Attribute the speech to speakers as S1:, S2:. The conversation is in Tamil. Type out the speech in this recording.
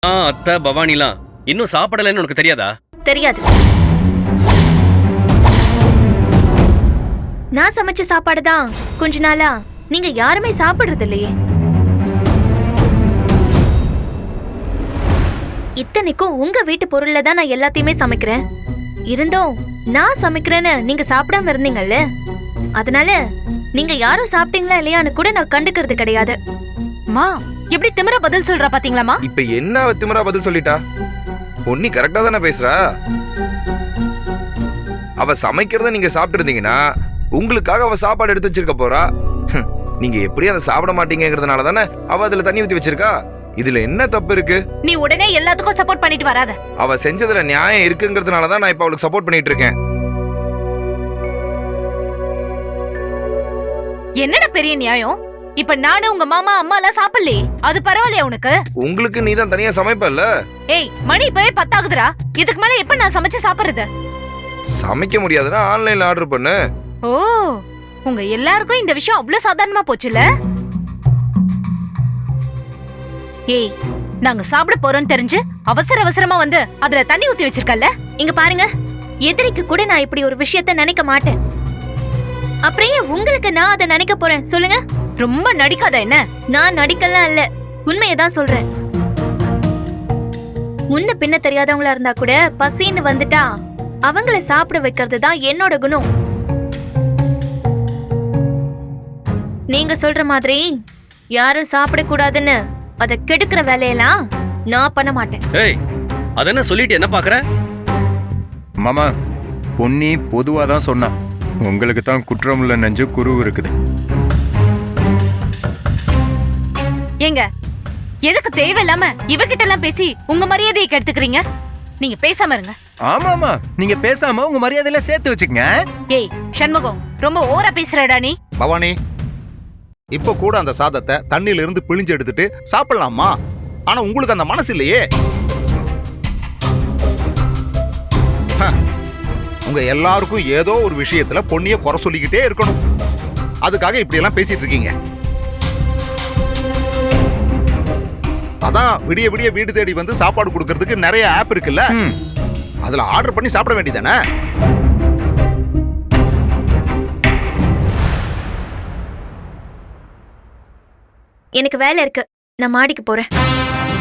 S1: அத்தை பவானிலாம் இன்னும் சாப்பிடலன்னு உனக்கு தெரியாதா?
S2: தெரியாது. நான் சமைச்ச சாப்பாடுதான் கொஞ்ச நாளா நீங்க யாருமே சாப்பிடுறது இல்லையே. இத்தனைக்கும் உங்க வீட்டு பொருள்ல தான் நான் எல்லாத்தையுமே சமைக்கிறேன். இருந்தும் நான் சமைக்கிறேன்னு நீங்க சாப்பிடாம இருந்தீங்கல்ல, அதனால நீங்க யாரும் சாப்பிட்டீங்களா இல்லையான்னு கூட நான் கண்டுக்கிறது கிடையாது.
S3: மா எப்படி திமிரா பதில் சொல்றா பாத்தீங்களாமா?
S4: இப்ப என்ன அவ திமிரா பதில் சொல்லிட்டா? பொன்னி கரெக்டா தானே பேசுறா. அவ சமைக்கிறத நீங்க சாப்பிட்டு இருந்தீங்கன்னா உங்களுக்காக அவ சாப்பாடு எடுத்து வச்சிருக்க போறா. நீங்க எப்படி அதை சாப்பிட மாட்டீங்கிறதுனால தானே அவ அதுல தண்ணி ஊத்தி வச்சிருக்கா. இதுல என்ன தப்பு இருக்கு?
S3: நீ உடனே எல்லாத்துக்கும் சப்போர்ட் பண்ணிட்டு வராத.
S4: அவ செஞ்சதுல நியாயம் இருக்குங்கிறதுனால தான் நான் இப்ப அவளுக்கு சப்போர்ட் பண்ணிட்டு இருக்கேன்.
S3: என்னடா பெரிய நியாயம்? இப்ப நானு உங்க மாமா அம்மா எல்லாம் சாப்பிடலையே, அது பரவாயில்லையா உனக்கு?
S4: உங்களுக்கு நீ தான் தனியா சமைப்பல்ல.
S3: ஏய் மணி இப்பவே 10 ஆகுதுடா. இதுக்கு மேல எப்ப நான் சமைச்சு சாப்பிடுறது?
S4: சமைக்க முடியாதுன்னா ஆன்லைன்ல ஆர்டர் பண்ணு.
S3: ஓ, உங்க எல்லாருக்கும் இந்த விஷயம் அவ்வளவு சாதாரணமா போச்சுல? ஏய், நாங்க சாப்பிட போறோம்னு தெரிஞ்சு அவசர அவசரமா வந்து அதுல தண்ணி ஊத்தி வச்சிருக்கல்ல?
S2: இங்க பாருங்க, எதிரிக்கு கூட நான் இப்படி ஒரு விஷயத்த நினைக்க மாட்டேன். அப்படியே உங்களுக்கு நான் அதை நினைக்க போறேன் சொல்லுங்க?
S3: ரொம்ப நடிக்காத என்ன?
S2: நான் நடிக்கலாம் இல்ல, உண்மையதான் சொல்றேன். முன்ன பின்ன தெரியாதவங்களா இருந்தா கூட பசின்னு வந்துட்டா அவங்கள சாப்பிட வைக்கிறது தான் என்னோட குணம். நீங்க சொல்ற மாதிரி யாரும் சாப்பிடக்கூடாதுன்னு அதை கெடுக்கிற வேலையெல்லாம் நான் பண்ண மாட்டேன்.
S1: ஏய், அதென்ன சொல்லிட்டு என்ன பாக்குற?
S5: மாமா, பொன்னி பொதுவா தான் சொன்னா. உங்களுக்கு தான் குற்றமுள்ள நெஞ்சு குரு இருக்குது.
S3: ஏங்க, எதுக்கு தேவையில்லாம இவகிட்ட எல்லாம் பேசி உங்க மரியாதையை கெடுத்துக்கிறீங்க? நீங்க பேசாம இருங்க.
S5: ஆமாமா, நீங்க பேசாம உங்க மரியாதையில சேர்த்து வச்சுக்கங்க.
S3: ஏய் சண்முகம், ரொம்ப ஓவரா பேசுறடா நீ.
S6: பவானி, இப்ப கூட அந்த சாதத்தை தண்ணியில இருந்து பிழிஞ்சு எடுத்துட்டு சாப்பிடலாமா? ஆனா உங்களுக்கு அந்த மனசு இல்லையே. உங்க எல்லாருக்கும் ஏதோ ஒரு விஷயத்துல பொன்னிய குறை சொல்லிக்கிட்டே இருக்கணும். அதுக்காக இப்படி எல்லாம் பேசிட்டு இருக்கீங்க. அதான் விடிய விடிய வீடு தேடி வந்து சாப்பாடு கொடுக்கறதுக்கு நிறைய ஆப் இருக்குல்ல, அதுல ஆர்டர் பண்ணி சாப்பிட வேண்டியதானே?
S2: எனக்கு வேலை இருக்கு, நான் மாடிக்கு போறேன்.